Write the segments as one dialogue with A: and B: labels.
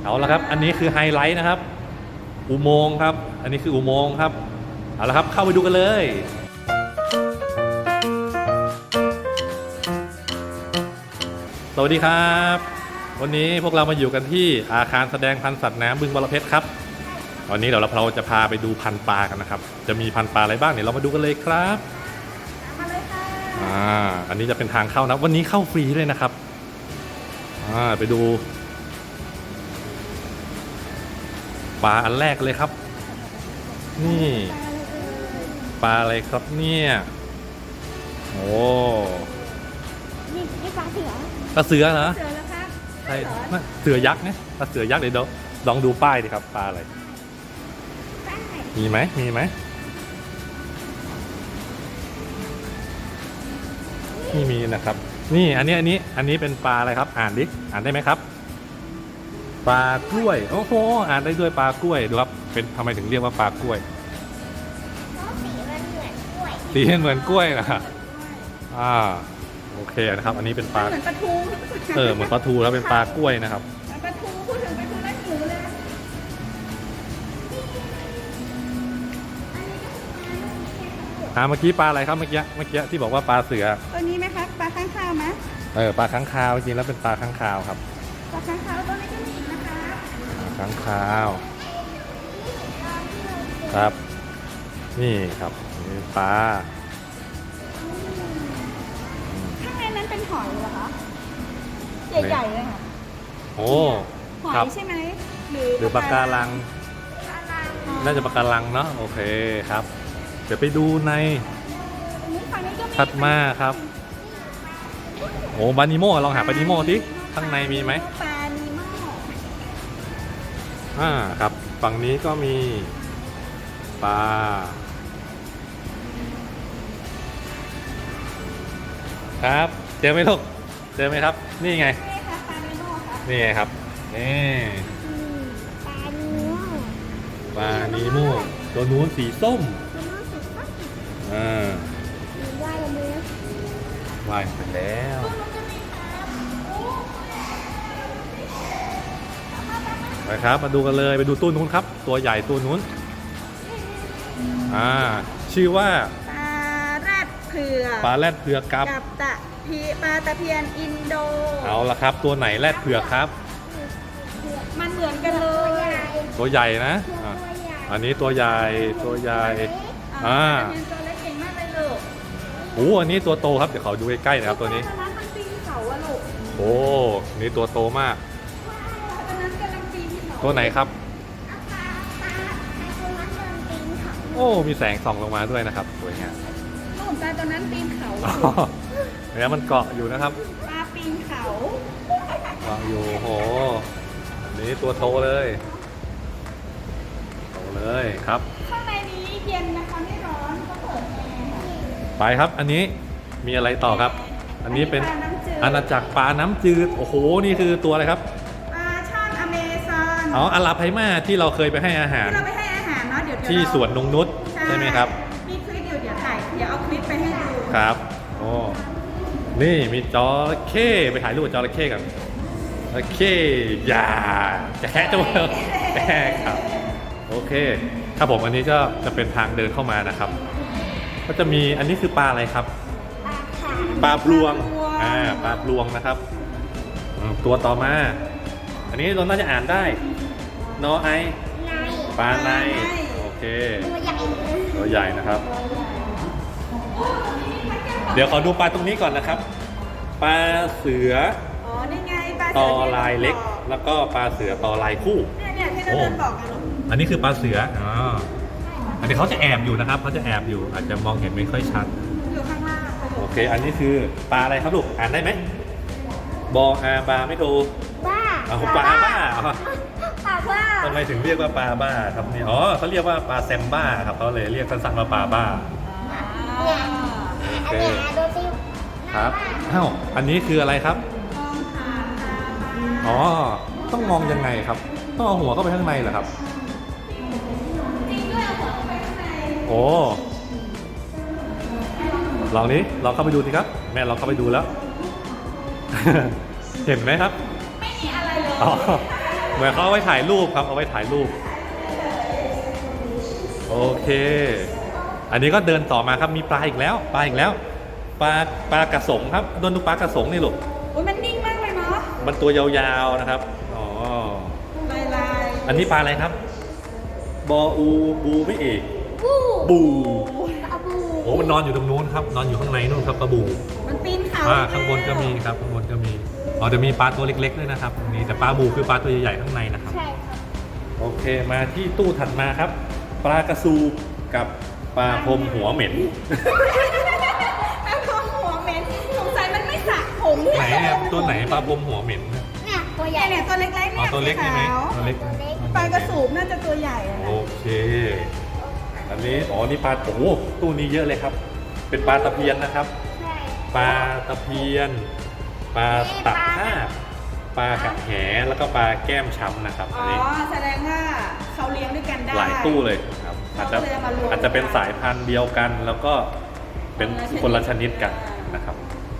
A: เอาละครับอันนี้คือไฮไลท์นะครับอุโมงค์ครับอันนี้คืออุโมงค์ครับเอาละครับเข้าไปดูกันเลยสวัสดีครับวันนี้พวกเรามาอยู่กันที่อาคารแสดงพันธุ์สัตว์น้ำบึงบรเพชรครับวันนี้เดี๋ยวเราจะพาไปดูพันธุ์ปลากันนะครับจะมีพันธุ์ปลาอะไรบ้างเนี่ยเรามาดูกันเลยครับ
B: มาเลยค่ะ
A: อันนี้จะเป็นทางเข้านะวันนี้เข้าฟรีเลยนะครับไปดูปลาอันแรกเลยครับนี่ปลาอะไรครับเนี่ยโอ้
B: นี่ปลาเสือ
A: ปลาเสือเหรอ
B: เสือแล้วครับ
A: ใช่เสือยักษ์นะปลาเสือยักษ์เดี๋ยวลองดูป้ายดิครับปลาอะไรมีไหมนี่มีนะครับนี่อันนี้เป็นปลาอะไรครับอ่านดิอ่านได้ไหมครับปลากล้วยโอ้โหอ่านได้ด้วยปลากล้วยดูครับเป็นทำไมถึงเรียกว่าปลากล้วยสีมันเหมือนกล้วยนะโอเคนะครับอันนี้เป็นปลา
B: เหมือนปลาทู
A: เหมือนปลาทูแล้วเป็นปลากล้วยนะครับ
B: ปลาทูพูดถึงปลาทูแล้วหิวเลย
A: เมื่อกี้ปลาอะไรครับเมื่อกี้ที่บอกว่าปลาเสือ
B: ตัวนี้ไหมครับปลาข้างคาวไหม
A: ปลาค้างคาวจริงแล้วเป็นปลาค้างคาวครับ
B: ปลาข้างคาวตัวนี้ก็มีอีกนะคะ
A: ค้างคาวครับนี่ครับนี่ปลา
B: ข้างในนั้นเป็นหอยเหรอคะใหญ่ๆเลยค่ะ
A: โอ้
B: หอยใช่ไหม
A: หรือปลาการังน่าจะปลาการังเนาะโอเคครับเดี๋ยวไปดูในถัดมาครับโอ้บานิโมลองหาบานิโมสิข้างในมีไหม
B: ปลานิโม
A: ครับฝั่งนี้ก็มีปลาครับเจอไหมลูกเจอไหมครับนี่ไงนี่ไงครับนี่ปลานิโมตัวนู้นสีส้มว่ายไปแล้วไปครับมาดูกันเลยไปดูตู้นู้นครับตัวใหญ่ตัวนู้นชื่อว่า
B: ปลาแรดเผือก
A: กับ
B: ปลาตะเพียนอินโด
A: เอาละครับตัวไหนแรดเผือกครับ
B: มันเหมือนกันเลย
A: ตัวใหญ่นะอันนี้ตัวใหญ่ตัวเล็กเก่งมากเลยลูกอันนี้ตัวโตครับเดี๋ยวเขาดูใกล้ๆนะครับตัวนี้โอ้นี่ตัวโตมากตัวไหนครับโอ้มีแสงส่องลงมาด้วยนะครับสวยงาม
B: ลูกปลาตัวนั้นปีนเขา
A: เนี่ยมันเกาะอยู่นะครับ
B: ปลาปีนเขา
A: เกาะอยู่โหอันนี้ตัวโตเลยครับ
B: ข้างในนี้เย็นนะคะไม่ร้อนก็เปิดแอร์
A: ไปครับอันนี้มีอะไรต่อครับอันนี้เป็นอาณาจักรปลาน้ำจืดโอ้โหนี่คือตัวอะไรครับ
B: ปลาช่อนอเมซอน
A: อาราไพมาที่เราเคยไปให้อาหาร
B: เนาะเดี๋ยว
A: ที่สวนนงนุชใช่ไหมครับ
B: มีคลิปอยู่เดี๋ยวเอาคลิปไปให้ดู
A: ครับโอ้นี่มีจระเข้ไปถ่ายรูปจระเข้กันจระเข้อย่าจะแคะตัวแค่ครับโอเคครับผมอันนี้ก็จะเป็นทางเดินเข้ามานะครับก็จะมีอันนี้คือปลาอะไรครับปลาพลวงปลาพลวงนะครับตัวต่อมาอันนี้เราน่าจะอ่านได้นอไอปลาในโอเคตัวใหญ่นะครับเดี๋ยวขอดูปลาตรงนี้ก่อนนะครับปลาเสือ
B: นี่ไงปลา
A: ตอลายเล็กแล้วก็ปลาเสือตอลายคู่
B: เนี่ยที่เราเดินบอกกัน
A: อันนี้คือปลาเสืออันนี้เขาจะแอบอยู่นะครับเขาจะแอบอยู่อาจจะมองเห็นไม่ค่อยชัด
B: อยู่ข้างล่าง
A: โอเคอันนี้คือปลาอะไรครับลูกอ่านได้ไหมบออาบาไม่โท
B: บ้า
A: ปลาบ้าทำไมถึงเรียกว่าปลาบ้าครับนี่เขาเรียกว่าปลาแซมบ้าครับเขาเลยเรียกสั้นๆว่าปลาบ้าโอเคครับอันนี้คืออะไรครับต้องมองยังไงครับต้องเอาหัวเข้าไปข้างในเหรอครับโอ้ลองเข้าไปดูสิครับแม่ลองเข้าไปดูแล้ว เห็นไหมครับ
B: ไม่มีอะไรเลย
A: เหมือนเขาเอาไว้ถ่ายรูปครับเอาไว้ถ่ายรูปโอเค อันนี้ก็เดินต่อมาครับมีปลาอีกแล้วปลาอีกแล้วปลากระสงครับโดนดูปลากระสงนี่ลูก
B: โอ้ยมันนิ่งมากเลยเนาะ
A: มันตัวยาวๆนะครับอ๋อ
B: ลาย
A: อันนี้ปลาอะไรครับบออูบูไม่เอก
B: บู
A: บู
B: อาบู
A: โอ้มันนอนอยู่ตรงนู้นครับนอนอยู่ข้างในนู่นครับปลาบู
B: มันปีนเขา
A: ข้างบนก็มีครับข้างบนก็มีอ๋อจะมีปลาตัวเล็กๆด้วยนะครับตรงนี้แต่ปลาบูคือปลาตัวใหญ่ๆข้างในนะครับ
B: ใช่ครับ
A: โอเคมาที่ตู้ถัดมาครับ ปลากระซูกับปลาพรมหัวเหม็น
B: แม่พอหัวเหม็นสงสัยมันไม่สระผม
A: ไหนเนี่ยตัวไหนปลาพรมหัวเหม็นเนี่ย
B: เนี่ยตัวใหญ่เนี่ยตัวเล็กๆ
A: อ๋อ
B: เนี่ย
A: ตัวเล็กใช่ไหม
B: ขาว
A: ตัวเล็ก
B: ปลากระสูบน่าจะตัวใหญ่อะ
A: โอเค อันนี้อ๋อนี่ปลาโอ้โหตู้นี้เยอะเลยครับ เป็นปลาตะเพียนนะครับ
B: ใช่
A: ปลาตะเพียน ปลาตักผ้าบปลากระแหแล้วก็ปลาแก้มช้ำนะครับ
B: อ๋
A: อั
B: อน
A: นี้
B: แสดงว่าเขาเลี้ยงด้วยกันได้
A: หลายตู้เลยครับอาจจะเป็นสายพันธุ์เดียวกัน แล้วก็เป็นคนละชนิดกันนะครับ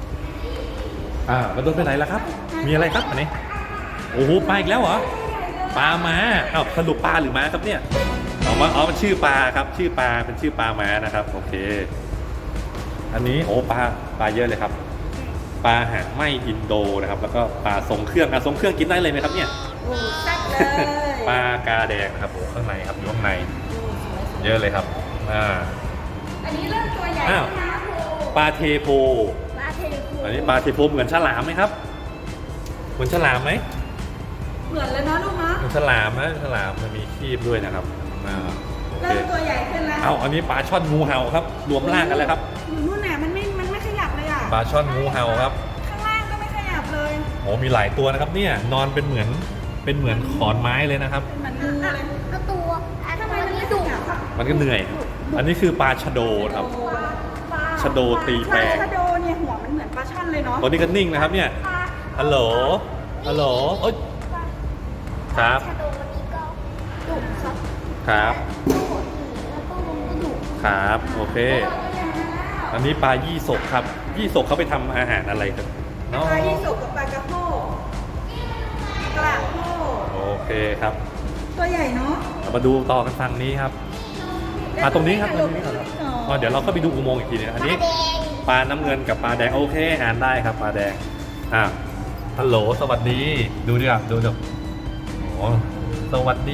A: มาโดนไปไหนแล้วครับ มีอะไรครับอันนี้โอ้โหปลาอีกแล้วเหรอปลาม้าสรุปปลาหรือม้าครับเนี่ยมันชื่อปลาครับชื่อปลาเป็นชื่อปลาม้านะครับโอเค อันนี้โอ้ปลาเยอะเลยครับ ปลาหางไหมอินโดนะครับ แล้วก็ปลาทรงเครื่องทรงเครื่องกินได้เลยไหมครับเนี่ย
B: โอ้แซ่บเลย
A: ปลากาแดงนะครับโอ้ข้างในครับอยู่ข้างในเยอะเลยครับ
B: อันนี้เริ่มตัวใหญ่
A: อ้าว
B: นะครู
A: ปลาเทโพ
B: ปลาเทเลคู
A: อันนี้ปลาเทโพเหมือนฉลามไหมครับเหมือนฉลามไหม
B: เหมือนเลยเนาะลูกเนาะ
A: เหมือนฉลามนะฉลามมันมีครีบด้วยนะครับโอเค
B: เริ่มตัวใหญ่ขึ้นแล้ว
A: อันนี้ปลาช่อนงูเห่าครับรวมร่างกันแล้วครับ
B: อยู่นู่นน่ะมันไม่ขยับเลยอ่ะ
A: ปลาช่อนงูเห่าครับ
B: ข้างล่างก็ไม่ขยับเลย
A: โอ้มีหลายตัวนะครับเนี่ยนอนเป็นเหมือนขอนไม้เลยนะครับ
B: เหมือนงูเลย
C: ก็ตัวทำไมมันไม่ดุอ่ะ
A: มันก็เหนื่อย อันนี้คือปลาชะโดครับ ชะโดตีแปลง
B: ชะโดเนี่ยหัวมันเหมือนปลาช่อนเลยเนาะ
A: ตัวนี้ก็นิ่งนะครับเนี่ย ฮัลโหล ฮัลโหลโอ๊ยครับ
C: ชาโดวันนี้ก็ดุครับ
A: ครับ
C: ก็โหดดีแล้วก็มันก็ดุ
A: ครับ โอเค อันนี้ปลายี่สกครับ ยี่สกเขาไปทำอาหารอะไรกันเนาะ
B: ปลายี่สกกับปลากระโพกกระโพก
A: โอเคครับ
B: ตัวใหญ่เนาะ
A: เรามาดูต่อกันฝั่งนี้ครับ ตรงนี้ครับตรงนี้ก่อนครับเดี๋ยวเราก็ไปดูอุโมงค์อีกทีนึงอันนี้
C: แดง
A: ปลาน้ำเงินกับปลาแดงโอเคอ่านได้ครับปลาแดงฮัลโหลสวัสดีดูดิครับดูโอ้สวัสดี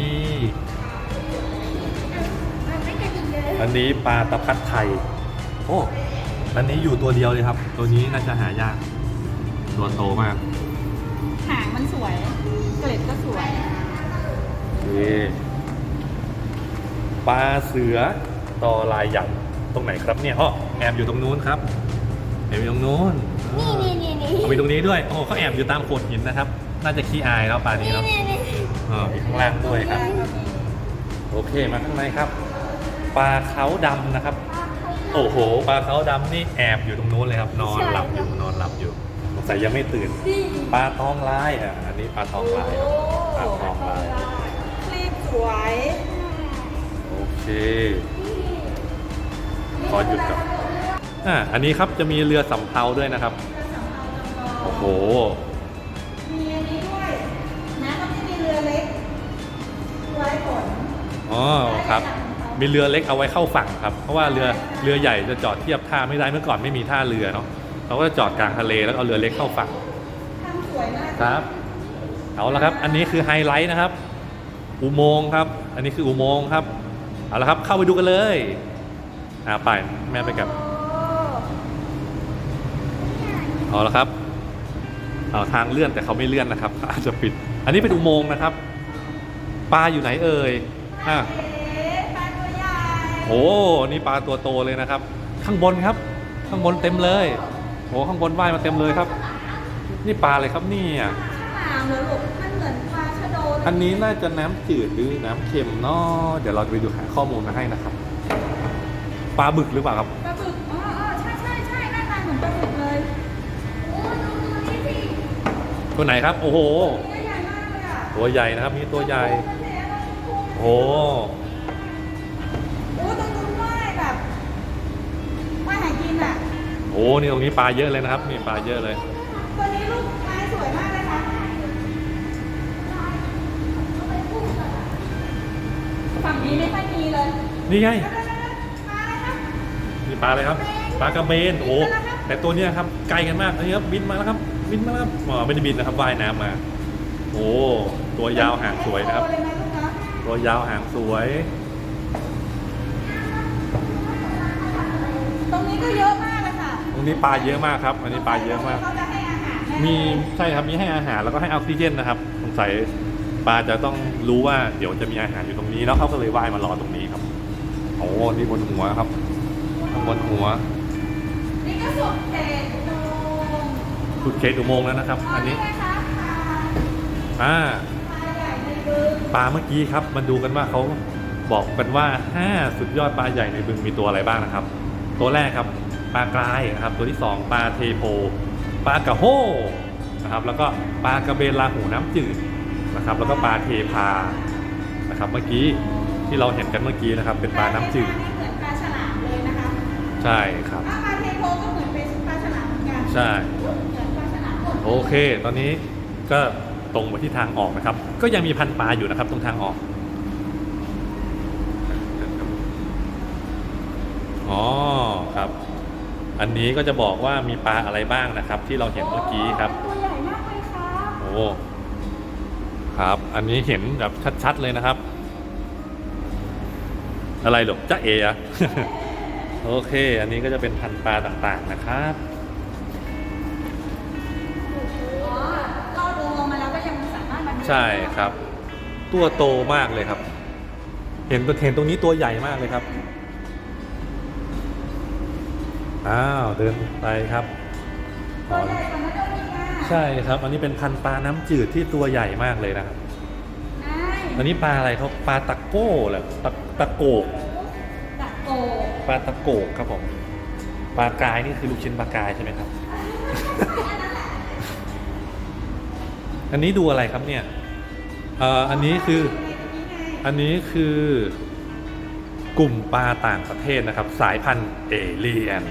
C: มันไม่กระดิ่งเลย
A: อันนี้ปลาตะพัดไทยโอ้อันนี้อยู่ตัวเดียวเลยครับ ตัวนี้น่าจะหายากตัวโตมาก
B: หางมันสวย เกล็ดก็สวย
A: นี่ปลาเสือตอลายหยันตรงไหนครับเนี่ยแอบอยู่ตรงนู้นครับแอบอยู่ตรงนู้น
C: นี่
A: เอาไปตรงนี้ด้วยเขาแอบอยู่ตามโขดหินนะครับ น่าจะขี้อายแล้วปลานี้เนาะมีข้างล่างด้วยครับ โอเคมาข้างในครับ ปลาเขาดำนะครับ โอ้โหปลาเขาดำนี่แอบอยู่ตรงนู้นเลยครับ นอนหลับอยู่สงสัยยังไม่ตื่น ปลาทองลายอันนี้ปลาทองลายครับปลาทองลาย
B: คลีบสวย
A: โอเคขอหยุดก่อนอันนี้ครับจะมีเรือสำเภาด้วยนะครับโอ้โห
B: มีอันนี้ด้วยนะก็จะมีเรือเล็กไว้ขน
A: ครับ มีเรือเล็กเอาไว้เข้าฝั่งครับ เพราะว่าเรือใหญ่จะจอดเทียบท่าไม่ได้เมื่อก่อนไม่มีท่าเรือเนาะเราก็จะจอดกลางทะเลแล้วเอาเรือเล็กเข้าฝั่ง
B: ทำสวยมาก
A: ครับเอาละครับ อันนี้คือไฮไลท์นะครับ อุโมงค์ครับ อันนี้คืออุโมงค์ครับเอาละครับเข้าไปดูกันเลยไปแม่ไปกับเอาละครับทางเลื่อนแต่เขาไม่เลื่อนนะครับอาจจะปิด อันนี้เป็นอุโมงค์นะครับปลาอยู่ไหนเอ่ย
B: ปลาตัวใหญ่
A: โอ้นี่ปลาตัวโตเลยนะครับ ข้างบนครับ ข้างบนเต็มเลยโอ้ข้างบนว่ายมาเต็มเลยครับ นี่ปลาอะไรครับนี่
B: ฉลามเหรอลูกมันเหมือนปลาชะโดเลย
A: อันนี้น่าจะน้ำจืดหรือน้ำเค็มเนาะเดี๋ยวเราจะไปดูหาข้อมูลมาให้นะครับ ปลาบึกหรือเปล่าครับ
B: ปลาบึกใช่หน้าตาเหมือนปลาบึกเลยโอ้ดูนี่สิ
A: ตัวไหนครับ โอ้โห
B: ตัวใหญ่มากเลยอ่ะ
A: ตัวใหญ่นะครับนี่ตัวใหญ่โอ้
B: โอ้ตรงนู้นว่ายแบบว่ายหากินอ่ะ
A: โหนี่ตรงนี้ปลาเยอะเลยนะครับนี่ปลาเยอะเลย
B: ตัวนี้ลูกลายสวยมากเลยค่ะมีไม่ค่อยมีเลย
A: นี่ไง
B: มาเลยครับ
A: นี่ปลาอะไรครับ ปลากระเบน โอ้ แต่ตัวเนี้ยครับไกลกันมากอันนี้ครับบินมาแล้วครับ บินมาแล้วครับอ๋อไม่ได้บินนะครับว่ายน้ำมา โอ้ ตัวยาวหางสวยนะครับ
B: เลยนะลูกเนาะ
A: ตัวยาวหางสวย
B: ตรงนี้ก็เยอะมากเลยค่ะ
A: ตรงนี้ปลาเยอะมากครับ อันนี้ปลาเยอะมาก
B: เขาจะให้อาหารแน่
A: มีใช่ครับมีให้อาหารแล้วก็ให้ออกซิเจนนะครับสงสัยปลาจะต้องรู้ว่าเดี๋ยวจะมีอาหารอยู่ตรงนี้แล้วเขาก็เลยว่ายมารอตรงนี้ครับโอ้นี่บนหัวครับข้างบนหัว
B: นี่ก็สุดเขตโดม
A: สุดเขตอุโมงค์แล้วนะครับ อันนี้
B: นะคะปลา
A: อ่า
B: ปลาใหญ่ในบึง
A: ปลาเมื่อกี้ครับมาดูกันว่าเขาบอกกันว่า5สุดยอดปลาใหญ่ในบึงมีตัวอะไรบ้างนะครับ ตัวแรกครับปลากรายนะครับตัวที่2ปลาเทโพปลากระโฮนะครับแล้วก็ปลากระเบนลาหูน้ำจืดนะครับแล้วก็ปลาเทพานะครับเมื่อกี้ที่เราเห็นกันเมื่อกี้นะครับเป็นปลาน้ำจืด
B: เหมือนปลาฉลามเลยนะคะ
A: ใช่ครับ
B: ปลาเทโพก็เหมือนเป็นปลาฉลามเหมือนกัน
A: ใช่
B: เหมือนปลาฉลามหมด
A: โอเค ตอนนี้ก็ตรงไปที่ทางออกนะครับ ก็ยังมีพันปลาอยู่นะครับตรงทางออกอ๋อครับ อันนี้ก็จะบอกว่ามีปลาอะไรบ้างนะครับ ที่เราเห็นเมื่อกี้ครับ
B: ตัวใหญ่มากเลยครับ
A: โอ้ครับ อันนี้เห็นแบบชัดๆเลยนะครับ อะไรหรอจ๊ะเอ๋อะ โอเค อันนี้ก็จะเป็นพันธุ์ปลาต่างๆนะครับ
B: อ๋อลอดอุโมงค์มาแล้วก็ยังสามารถมาดู
A: ใช่ครับ ตัวโตมากเลยครับ เห็นตรงนี้ตัวใหญ่มากเลยครับอ้าวเดินไปครับ
B: ตัวใหญ่กว่านั้นก็มีค่ะ
A: ใช่ครับ อันนี้เป็นพันธุ์ปลาน้ำจืดที่ตัวใหญ่มากเลยนะครับ
B: ใช่
A: อันนี้ปลาอะไรครับปลาตะโก้เหรอตะโกก
B: ตะโก
A: ปลาตะโกกครับผมปลากายนี่คือลูกชิ้นปลากายใช่ไหมครับ อันนี้ดูอะไรครับเนี่ยอันนี้คือ อันนี้คือกลุ่มปลาต่างประเทศนะครับ สายพันธุ์เอเลียน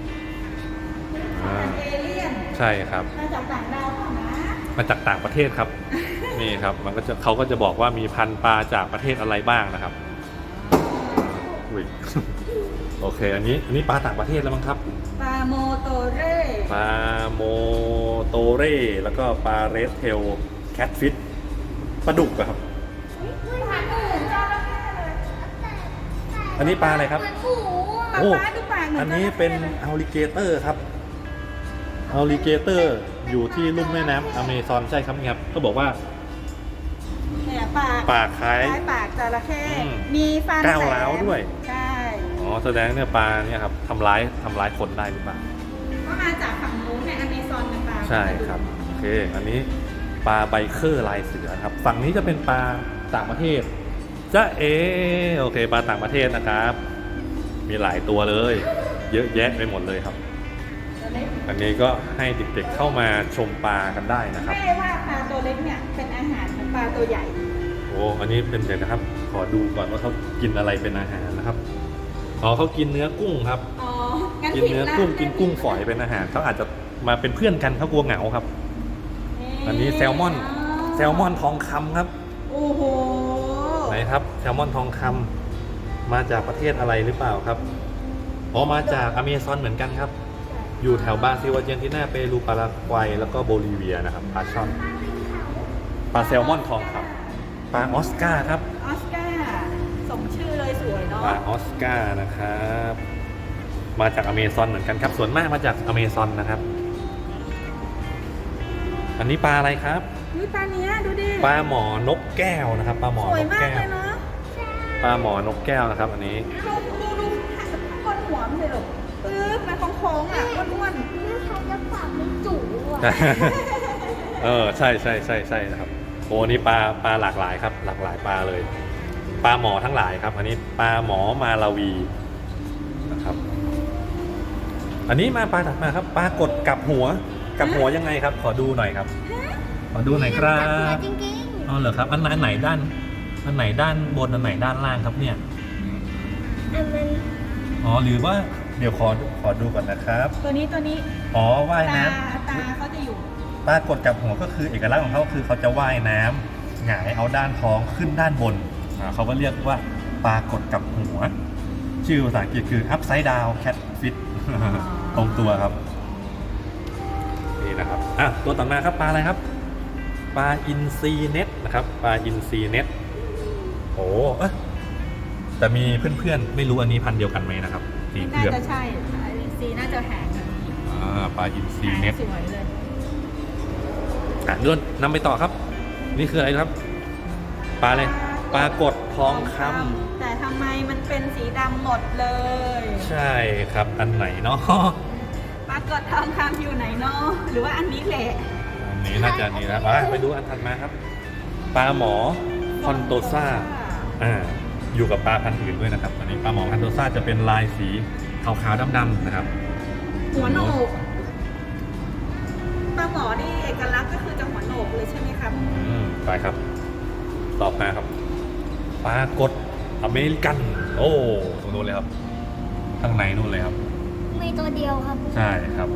B: เอเลี่ยน
A: ใช่ครับ
B: มาจากต่างดาวเปล่านะ
A: มาจากต่างประเทศครับ นี่ครับมันก็จะเขาก็จะบอกว่ามีพันธุ์ปลาจากประเทศอะไรบ้างนะครับอุ๊ย โอเค อันนี้ปลาต่างประเทศแล้วมั้งครับ
B: ปลาโมโตเร่
A: ปลาโมโตเร่แล้วก็ปลาเรดเทลแคทฟิชปลาดุกอะครับ
B: ปลาอื่นจระเข้เลย
A: อันนี้ปลาอะไรครับ
C: เหมือนหมู
B: ปลา
A: โอ้
B: ฟ้าดูปากเหมือน
A: อันนี้เป็นอัลลิเกเตอร์ครับอัลลิเกเตอร์อยู่ที่ลุ่มแม่น้ำอเมซอนใช่ครับครับก็บอกว่า
B: เนี่ยปาก
A: ปากคล้าย
B: ปากจระเข้
A: อืม
B: มีฟัน
A: ก้าว
B: แหล
A: ร้าว
B: ม
A: ด้วย
B: ใช่
A: อ๋อแสดงเนี่ยปลาเนี่ยครับทำร้ายคนได้หรือเปล่า
B: ก็มาจากฝั่งนู้นในอเมซอนนะปลา
A: ใช่ครับโอเค อันนี้ปลาไบเคอร์ลายเสือครับฝั่งนี้จะเป็นปลาต่างประเทศจ้าโอเคปลาต่างประเทศนะครับ มีหลายตัวเลย เยอะแยะไปหมดเลยครับ
B: ตัวเล็ก
A: อันนี้ก็ให้เด็กๆเข้ามาชมปลากันได้นะครับ
B: ไม่ได้ว่าปลาตัวเล็กเนี่ยเป็นอาหารของปลาตัวใหญ่
A: โอ้อันนี้เป็นเดี๋ยวนะครับ ขอดูก่อนว่าเขากินอะไรเป็นอาหารนะครับอ๋อเขากินเนื้อกุ้งครับ
B: อ๋อ งั้น
A: กิน
B: ผิด
A: เนื้อ
B: ละ
A: กุ้งกินกุ้งฝอยเป็นอาหารเขาอาจจะมาเป็นเพื่อนกันเขากลัวเหงาครับ อันนี้แซลมอนทองคำครับ
B: โอ้โห
A: ไหนครับแซลมอนทองคำมาจากประเทศอะไรหรือเปล่าครับอ๋อมาจากอเมซอนเหมือนกันครับ อยู่แถวบราซิลอาร์เจนตินาเปรูปารากวัยแล้วก็โบลิเวียนะครับปลาช่อนปลาแซลมอนทองคำปลาออสการ์ครับ
B: ออสการ์สมชื่อเลยสวยเนาะ
A: ปลาออสการ์นะครับ มาจากอเมซอนเหมือนกันครับ ส่วนมากมาจากอเมซอนนะครับ อันนี้ปลาอะไรครับ
B: อุ๊ยปลาเนี้ยดูดิ
A: ปลาหมอนกแก้วนะครับปลาหมอ
B: สวย
A: นก
B: มาก
A: แก้
B: เล
A: วย
B: เนาะ
A: ปลาหมอนกแก้วนะครับ อันนี้
B: ดูข้างบนหัวมันเลยลูกปึ๊บมันโค้งๆอ่ะอ้วน
C: แม่ใครจะฝากเป็นจุ๋อ่ะ
A: ใช่นะครับโอ้นี่ปลาหลากหลายครับ หลากหลายปลาเลย ปลาหมอทั้งหลายครับ อันนี้ปลาหมอมาลาวีนะครับ อันนี้มาปลาถัดมาครับปลากดกับหัวยังไงครับ ขอดูหน่อยครับ ขอดูหน่อยครั
C: จัหัว
A: บ
C: จริง
A: อ๋อเหรอครับอันไหนด้านบนอันไหนด้านล่างครับเนี่ย
C: ๆอันนั้น
A: อ๋อหรือว่าเดี๋ยวขอดูก่อนนะครับ
B: ๆตัวนี้
A: อ๋อว่าย
B: ตา
A: น้
B: ตาเขาจะอยู่
A: ำปลากดกับหัวก็คือเอกลักษณ์ของเขาคือเขาจะว่ายน้ำหงายเอาด้านท้องขึ้นด้านบนเขาก็เรียกว่าปลากดกับหัว ชื่อภาษาอังกฤษคือ upside down catfish ตรงตัวครับนี่นะครับตัวต่อมาครับปลาอะไรครับปลาอินทรีเน็ตนะครับปลาอินทรีเน็ตโอ้แต่มีเพื่อนๆไม่รู้อันนี้พันธุ์เดียวกันไหมนะครับสีเผื
B: น่า
A: อก
B: จะใช่สีน่าจะแหงแบบนี้
A: ปลาอินทรี
B: แหง
A: เน็ต
B: สวยเลย
A: เดินนำไปต่อครับ นี่คืออะไรครับปลาอะไรปลากดทองคำ
B: แต่ทำไมมันเป็นสีดำหมดเลย
A: ใช่ครับอันไหนเนาะ
B: ปรากฏทองคำอยู่ไหนเนาะหรือว่าอันนี้แหละ
A: อันนี้น่าจะอันนี้นะไปดูอันถัดมาครับปลาหมอคอนโตซ่าอยู่กับปลาพันธุ์อื่นด้วยนะครับอันนี้ปลาหมอคอนโตซ่าจะเป็นลายสีขาวๆดำๆนะครับ
B: หัวโหนกปลาหมอนี่เอกลักษณ์ก็คือจะหัวโหนกเลยใช่ไหมครับ
A: ไปครับต่อมาครับปลากดอเมริกันโอ้ตรงนู้นเลยครับข้างในนู่นเลยครับ
C: มีตัวเดียวครับ
A: ใช่ครับ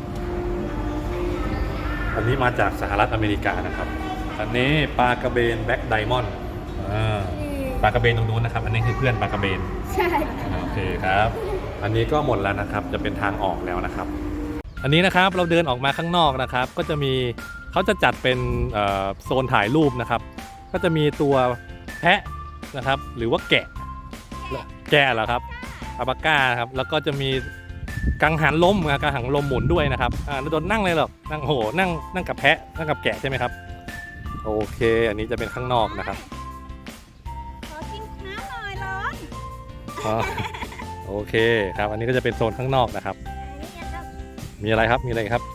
A: อันนี้มาจากสหรัฐอเมริกานะครับอันนี้ปลากระเบนแบล็กไดมอนด์ปลากระเบนตรงนู้นนะครับอันนี้คือเพื่อนปลากระเบน
C: ใช่
A: โอเคครับ อันนี้ก็หมดแล้วนะครับจะเป็นทางออกแล้วนะครับ อันนี้นะครับเราเดินออกมาข้างนอกนะครับ ก็จะมีเขาจะจัดเป็นโซนถ่ายรูปนะครับ ก็จะมีตัวแพะนะครับหรือว่าแกะเหรอครับอัลปาก้าครับแล้วก็จะมีกังหันลมกังหันลมหมุนด้วยนะครับโดนนั่งเลยเหรอนั่งโหนั่งกับแพะนั่งกับแกะใช่ไหมครับโอเค อันนี้จะเป็นข้างนอกนะครับ
B: ขอกินน้ำหน่อยร้อน
A: โอเคครับอันนี้ก็จะเป็นโซนข้างนอกนะครับ มีอะไรครับมีอะไรครับ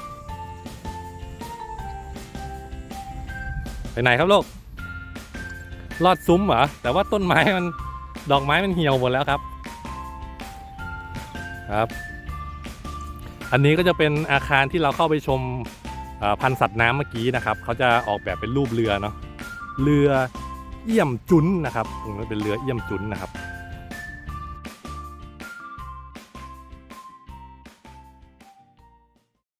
A: ไปไหนครับลูกลอดซุ้มเหรอแต่ว่าต้นไม้มันดอกไม้มันเหี่ยวหมดแล้วครับครับ อันนี้ก็จะเป็นอาคารที่เราเข้าไปชมพันธุ์สัตว์น้ำเมื่อกี้นะครับเขาจะออกแบบเป็นรูปเรือเนาะเรือเอี่ยมจุนนะครับมันเป็นเรือเอี่ยมจุนนะครับ